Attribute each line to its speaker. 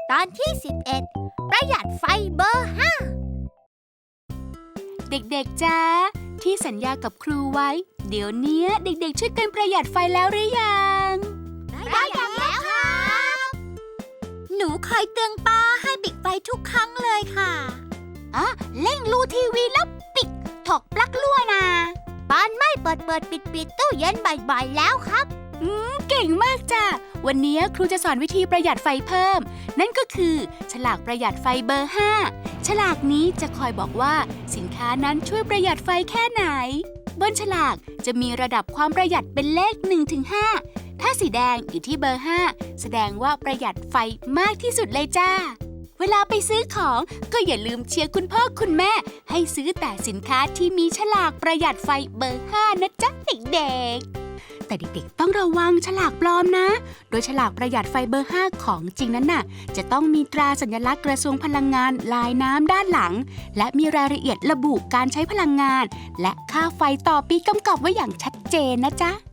Speaker 1: ตอนที่ 11 ประหยัดไฟเบอร์ 5
Speaker 2: เด็กๆจ้าที่สัญญากับครูไว้เดี๋ยวนี้เด็กๆช่วยกันประหยัดไฟแล้วหรือยัง
Speaker 1: ประหยัดแล้วครับหนูคอยเตือนป้าให้ปิดไฟทุกครั้งเลยค่ะ
Speaker 2: เร่งรูทีวีแล้วปิดถกปลั๊กรั่วนะ
Speaker 1: ปานไม่เปิดปิดตู้เย็นบ่อยๆแล้วครับ
Speaker 2: เก่งมากจ้ะวันนี้ครูจะสอนวิธีประหยัดไฟเพิ่มนั่นก็คือฉลากประหยัดไฟเบอร์ 5 ฉลากนี้จะคอยบอกว่าสินค้านั้นช่วยประหยัดไฟแค่ไหนบนฉลากจะมีระดับความประหยัดเป็นเลข 1-5 ถ้าสีแดงอยู่ที่เบอร์ 5 แสดงว่าประหยัดไฟมากที่สุดเลยจ้าเวลาไปซื้อของก็อย่าลืมเชียร์คุณพ่อคุณแม่ให้ซื้อแต่สินค้าที่มีฉลากประหยัดไฟเบอร์ 5 นะจ๊ะเด็กๆแต่เด็กๆต้องระวังฉลากปลอมนะโดยฉลากประหยัดไฟเบอร์ 5 ของจริงนั้นน่ะจะต้องมีตราสัญลักษณ์กระทรวงพลังงานลายน้ำด้านหลังและมีรายละเอียดระบุการใช้พลังงานและค่าไฟต่อปีกำกับไว้อย่างชัดเจนนะจ๊ะ